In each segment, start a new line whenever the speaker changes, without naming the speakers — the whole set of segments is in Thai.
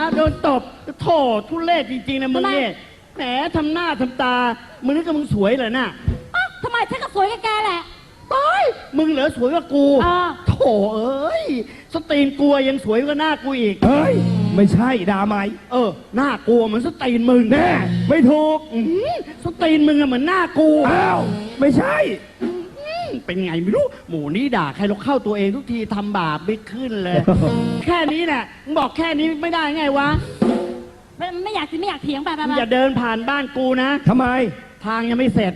โดนตบโถทุเรศจริงๆนะมึงเนี่ยแหมทำหน้าทำตามึงนึกว่ามึงสวยเหรอน่ะ
ทำไมฉันก็สวยกับแกแหละ
มึงเหลือสวยกว่ากูโถเอ้ยสตีนกลัวยังสวยกว่าหน้ากูอีก
เฮ้ยไม่ใช่ด่าไหม
หน้ากลัวเหมือนสตีนมึง
แน่ไม่ถูก
สตีนมึงอะเหมือนหน้ากู
อ้าวไม่ใช่
เป็นไงไม่รู้หมูนี้ด่าใครเราเข้าตัวเองทุกทีทำบาปไม่ขึ้นเลย แค่นี้แหละมึงบอกแค่นี้ไม่ได้ไงวะ
ไม่อยากเถียงไป
อย่าเดินผ่านบ้านกูนะ
ทำไม
ทางยังไม่เสร็จ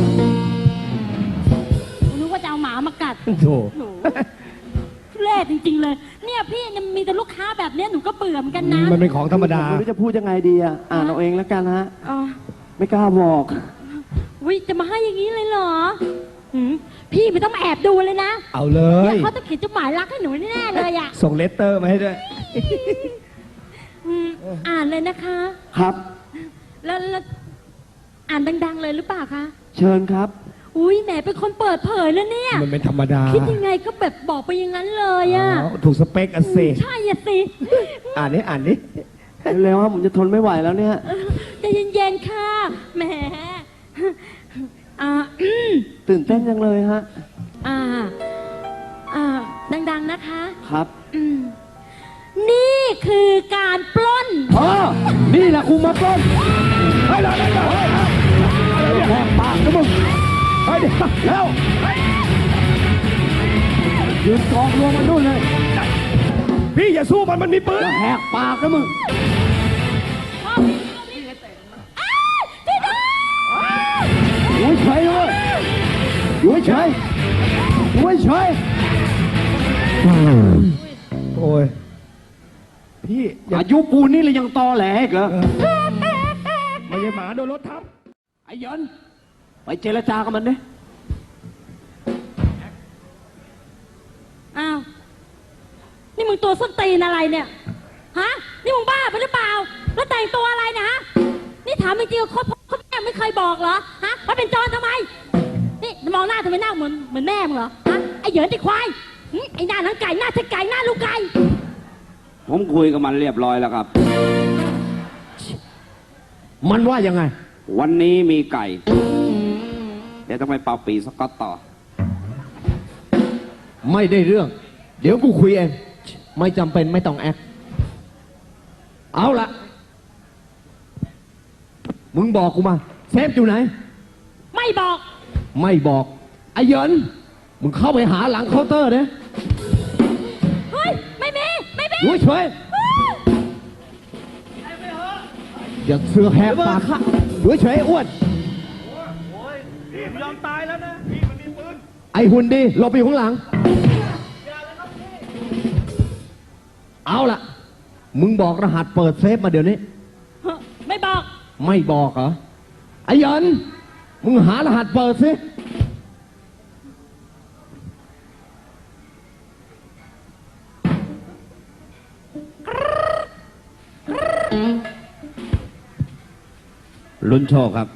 นึกว่าจะเอาหมามากัด
โธ่
เล่จริงๆเลยเนี่ยพี่มีแต่ลูกค้าแบบนี้หนูก็เบื่อเหมือนกันนะ
มันเป็นของธรรมดา
ไม่รู้จะพูดยังไงดีอ่านเอาเองแล้วกันฮะไม่กล้าบอก
วิจะมาให้อย่างนี้เลยเหรอพี่ไม่ต้องมาแอบดูเลยนะ
เอาเลย
เขาจะเขียนจดหมายรักให้หนูแน่ๆเลยอ่ะ
ส่งเลตเตอร์มาให้ด้วย
อ่านเลยนะคะ
ครับ
แล้วอ่านดังๆเลยหรือเปล่าคะ
เชิญครับ
อุ้ยแหมเป็นคนเปิดเผยแล้วเนี่ย
มันเป็นธรรมดา
คิดยังไงก็แบบบอกไปอย่างนั้นเลยอ่ะ
ถูกสเปคอ่ะสิ
ใช่อ่ะสิ
อ่านนี้
เร็วๆว่าผมจะทนไม่ไหวแล้วเนี่ย
ใจเย็นๆค่ะแหม
ตื่นเต้นจังเลยฮะ
ดังๆนะคะ
ครับ
นี่คือการปล้น
นี่แหละกูมาปล้นเฮ้ยแหกปากนะมึงเฮ้ยเดี๋ยวแล้วยืนกองรวมมันนู่นเลยพี่อย่าสู้มันมีปืน
อย่าแหกปากนะมึงอยู่เฉยเลยอยู่เฉย
โอ้ยพี่
อายุปูนี่เลยยังตอแหลอีกเหรอ
ไม่ใช่หมาโดนรถทับ
ไอ้ยันไปเจรจากับมันดิ
อ้าวนี่มึงตัวส้นตีนอะไรเนี่ยฮะนี่มึงบ้าไปหรือเปล่าแล้วแต่งตัวอะไรเนี่ยฮะนี่ถามจริงๆเขาแม่ไม่เคยบอกเหรอฮะว่าเป็นจรทำไมนี่มองหน้าทำไมหน้าเหมือนแม่มึงเหรอฮะไอ้เหยินไอ้ควายไอ้หน้าหนังไก่หน้าเทไก่หน้าลูกไก่
ผมคุยกับมันเรียบร้อยแล้วครับ
มันว่ายังไง
วันนี้มีไก่เดี๋ยวต้องไปเป่าปีสก๊อตต่อ
ไม่ได้เรื่องเดี๋ยวกูคุยเองไม่จำเป็นไม่ต้องแอคเอาละมึงบอกกูมาเซฟอยู่ไหน
ไม่บอก
ไอ้เหยินมึงเข้าไปหาหลังเคาน์เตอร์เนี่ย
เฮ้ยไม่มี
ดูเฉยอย่าเสือแหกปากดูเฉยอ้วน
พี่ยอมตายแล้วนะพี่มันมีปืน
ไอ้หุ่นดีหลบไปอยู่ข้างหลังเอาล่ะมึงบอกรหัสเปิดเซฟมาเดี๋ยวนี้
ไม่บอก
เหรอไอ้เหยินมึงหารหัสเปิดสิ
ลุ้นโชคครับ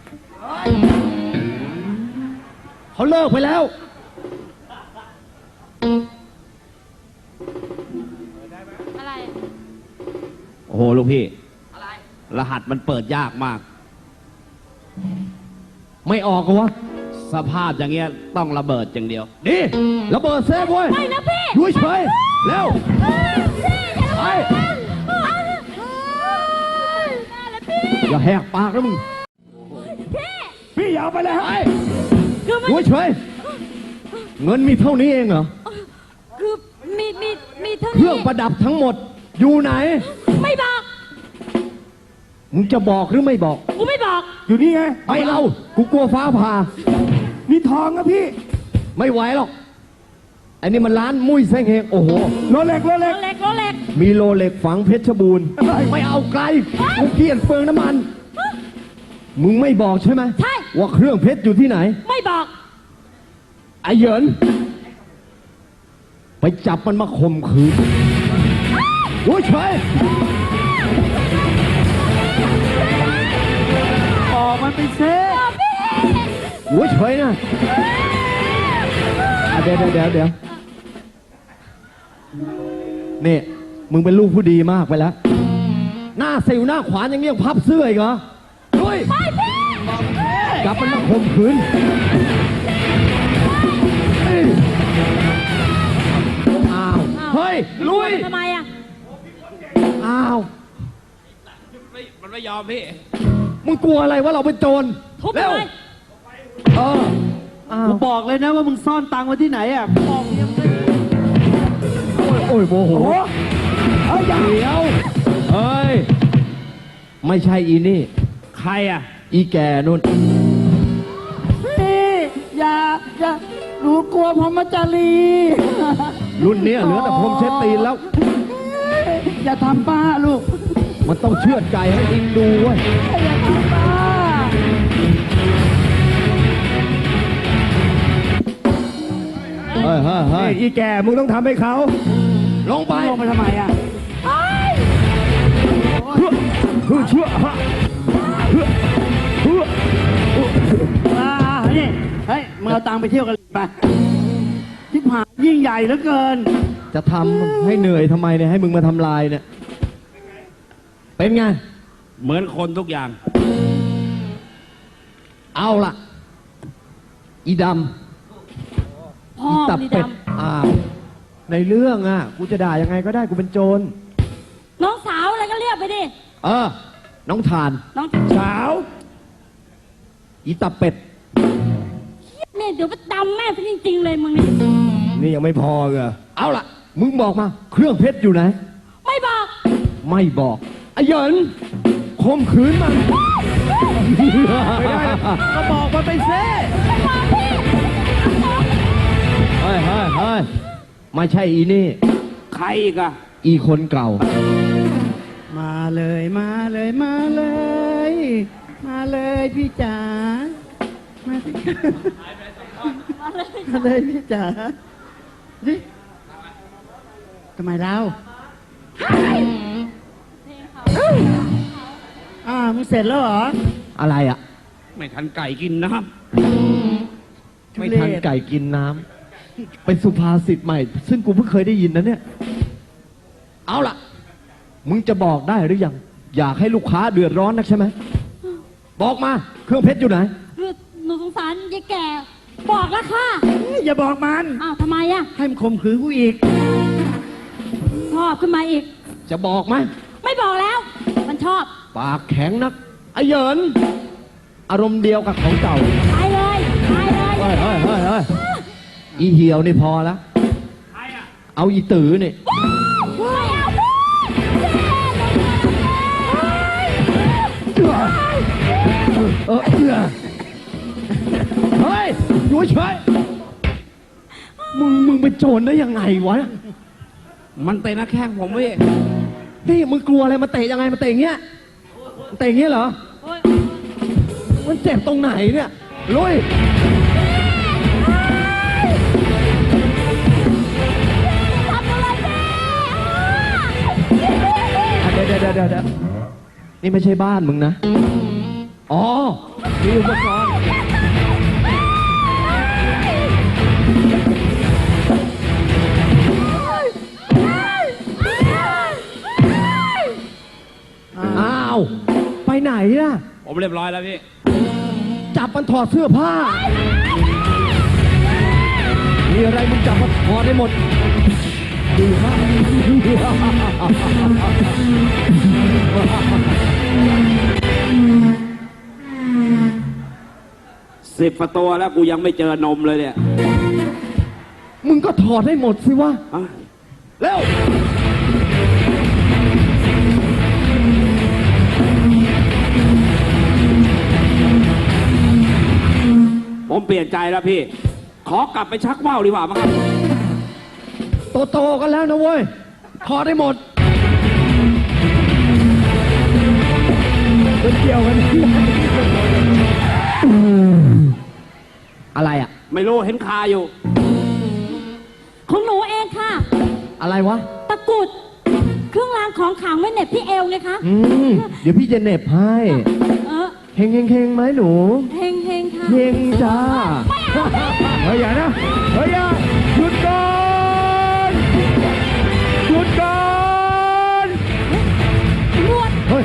เขาเลิกไปแล้ว
อะไร
โอ้โหลูกพี่อะไรรหัสมันเปิดยากมาก
ไม่ออกเหรอวะ
สภาพอย่างเงี้ยต้องระเบิดอย่างเดียว
ดิระเบิดเซฟเว้ย
ไม่นะพี่
ดูเฉยแล้วไปอย่าแหกปากนะมึงพี่อย่าไปเลยดูเฉยเงินมีเท่านี้เองเหรอ
คือมีเท่านี้
เครื่องประดับทั้งหมดอยู่ไหน
ไม่บอก
มึงจะบอกหรือไม่บอก
กูไม่บอก
อยู่นี่ไงไม่เอากูกลัวฟ้าผ่านี่ทองนะพี่ไม่ไหวหรอกอันนี้มันร้านมุ้ยเซ้งเฮงโอ้โหโรเล็กมีโรเล็กฝังเพชรบูรณ์ไม่เอาไกลกูเกลียดเปลืองน้ำมันมึงไม่บอกใช่ไหม
ใช่
ว่าเครื่องเพชรอยู่ที่ไหน
ไม่บอก
ไอ้เหยินไปจับมันมาข่มขืนโอ้ยเฉย
มันไปเซฟ
โอ้ยเฉยนะเดี๋ยวนี่มึงเป็นลูกผู้ดีมากไปแล้วหน้าสิวหน้าขวานยังเงี้ยพับเสื้ออีกเหรอลุย
ไปพี่
กลับมันมาข่มขืนอ้าวเฮ้ยลุย
ทำไมอ่ะ
อ้าว
มันไม่ยอมพี่
มึงกลัวอะไรว่าเราเป็นโจร
ทุบ
เร็ว
เลย
เอออ้าว
กูบอกเลยนะว่ามึงซ่อนตังค์ไว้ที่ไหนอ่ะบอกยังไม่
โอ้ยโมโหเฮ้ยเดี๋ยวเฮ้ยไม่ใช่อีนี่
ใครอ่ะ
อีแกนุ่น
พี่อย่าหนูกลัวพรหมจารี
รุ่นเนี้ยเหลือแต่พรมเช็ดตีนแล้ว
อย่าทำป้าลูก
มันต้องเชือดไก่ให้อิงดูเว้ย
อย่าทำป้า
เฮ้ยเฮ้ยเฮ้ยอีแกมึงต้องทำให้เขาลงไป
ลงไปทำไมอ่ะ
เพื่อเชื่อฮะเพื่อ
นี่เฮ้ยมึงเอาตังค์ไปเที่ยวกันไปที่ผ่านยิ่งใหญ่เหลือเกิน
จะทำให้เหนื่อยทำไมเนี่ยให้มึงมาทำลายเนี่ยเป็นไง
เหมือนคนทุกอย่าง
เอาล่ะ อีด
พ่อ
ำอีตับ
นี่
เป็ด
ด
อ้าวในเรื่องอ่ะกูจะด่ายังไงก็ได้กูเป็นโจร
ำน้องสาวอะไรก็เรียกไปดิ
เออ น้องทาน
น้อง
สาว อีตับเป็ด
เนี่ยเดี๋ยวไปดำแม่พี่จริงๆเลยมึงนี่
นี่ยังไม่พอเหรอเอาล่ะ มึงบอกมา เครื่องเพชรอยู่ไหน
ไม่บอก
ไม่บอกไอ้เหยินข่มขืนมันไม่ได้ก็บอกมันไปเซ่
ไม่บอกพี่
เฮ้ยเฮ้ยเฮ้ยไม่ใช่อีนี่
ใครอีกอ่ะ
อีคนเก่า
มาเลยมาเลยมาเลย มาเลยพี่จ๋ามาสิมาเลยพี่จ๋าดิทำไมเรามึงเสร็จแล้วเหรอ
อะไรอ่ะ
ไม่ทันไก่กินนะครับ
ไม่ทันไก่กินน้ำเป็นสุภาษิตใหม่ ซึ่งกูเพิ่งเคยได้ยินนะเนี่ย เอาล่ะ มึงจะบอกได้หรือยัง อยากให้ลูกค้าเดือดร้อนนักใช่ไหม บอกมา เครื่องเพชรอยู่ไหน
คือหนูสงสารยายแก่ บอกแล้วค่ะ
อย่าบอกมัน
อ้าวทำไมอ่ะ
ให้มันข่มขืนกูอีก
ชอบขึ้นมาอีก
จะบอกไหม
ไม่บอกแล้ว มันชอบ
ปากแข็งนักไอ้เหยินอารมณ์เดียวกับของเก่า
ตายเลยตายเลย
เฮ้ยเฮ้ยเฮ้ยเฮ้ยอีเหี่ยวนี่พอแล้ว เอาอีตือนี่
ไม่เอาพี่
เฮ้ยอยู่เฉยมึงเป็นโจรได้ยังไงวะ
มันเตะหน้าแข้งผมพี่
นี่มึงกลัวอะไรมาเตะยังไงมาเตะอย่างเงี้ยเตะอย่างเงี้ยเหรอ
โอ๊ย
มันเจ็บตรงไหนเนี่ยลุย
ทำอะไรพี่
เดี๋ยวนี่ไม่ใช่บ้านมึงนะ อ๋อมีอุปกรณ์อ้าว ไปไหนล่ะ
ผมเรียบร้อยแล้วพี่
จับมันถอดเสื้อผ้า มีอะไรมึงจับมันถอดได้หมดดีมาก
10 ประตูแล้วกูยังไม่เจอนมเลยเนี่ย
มึงก็ถอดให้หมดสิวะ
อ่ะ
เร็ว
ผมเปลี่ยนใจแล้วพี่ ขอกลับไปชักว่าวดีกว่ามั้งครับ
โตๆกันแล้วนะเว้ย ถอดได้หมดเป็นเกี่ยวกันที่ไหนอะไรอะ
ไม่รู้เห็นคาอยู่
ของหนูเองค่ะ
อะไรวะ
ตะกรุด เครื่องรางของขลังไว้เหน็บที่เอวไงคะ
เดี๋ยวพี่จะเหน็บให้
เออ
เฮงเฮงเฮงไหมหนู
เฮงเฮงค่ะ
เฮงจ้า เฮ้ยอย่านะ เฮ้ยอย่าหยุดก่อนหยุดก่อน
นวด
เฮ้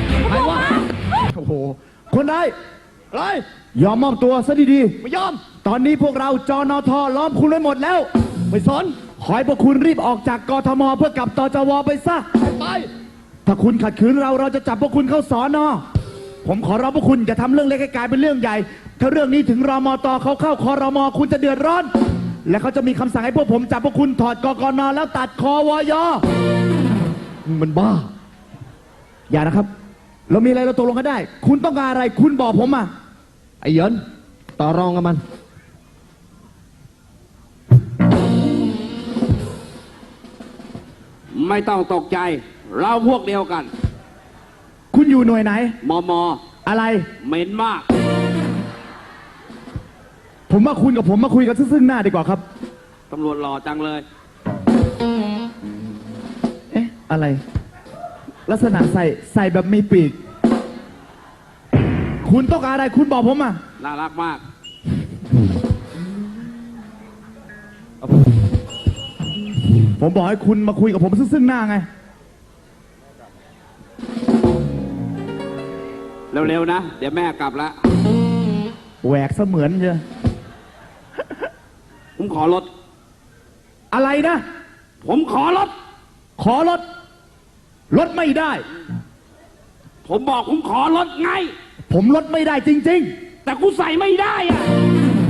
โห คนร้ายอะไรยอมมอบตัวซะดีๆ ไม่ยอม ตอนนี้พวกเราจนทล้อมคุณไว้หมดแล้ว ไม่สน ขอให้พวกคุณรีบออกจากกทมเพื่อกลับตจวไปซะ ไป ถ้าคุณขัดขืนเราจะจับพวกคุณเข้าสอนอผมขอร้องพวกคุณอย่าทำเรื่องเล็กให้กลายเป็นเรื่องใหญ่ ถ้าเรื่องนี้ถึงรมตเขาเข้าครมคุณจะเดือดร้อน และเขาจะมีคำสั่งให้พวกผมจับพวกคุณถอดกกนแล้วตัดคอวยมันบ้า อย่านะครับ เรามีอะไรเราตกลงกันได้ คุณต้องการอะไรคุณบอกผมมา
ไอ้เหยินต่อรองกับมัน
ไม่ต้องตกใจ เราพวกเดียวกัน
คุณอยู่หน่วยไหน
มม
อะไร
เหม็นมาก
ผมว่าคุณกับผมมาคุยกันซึ่งหน้าดีกว่าครับ
ตำรวจหล่อจังเลย
เอ๊ะ อะไร ลักษณะใส่แบบมีปีก คุณต้องการอะไรคุณบอกผมมา
น่ารักมาก
ผมบอกให้คุณมาคุยกับผมซึ่งหน้าไง
เร็วๆนะ เดี๋ยวแม่กลับแล้ว
แหวกเสมือนเชียว
ผมขอรถ
อะไรนะ
ผมขอรถ
ขอรถ รถไม่ได้
ผมบอกผมขอรถไง
ผมลดไม่ได้จริง
แต่กูใส่ไม่ได้อะ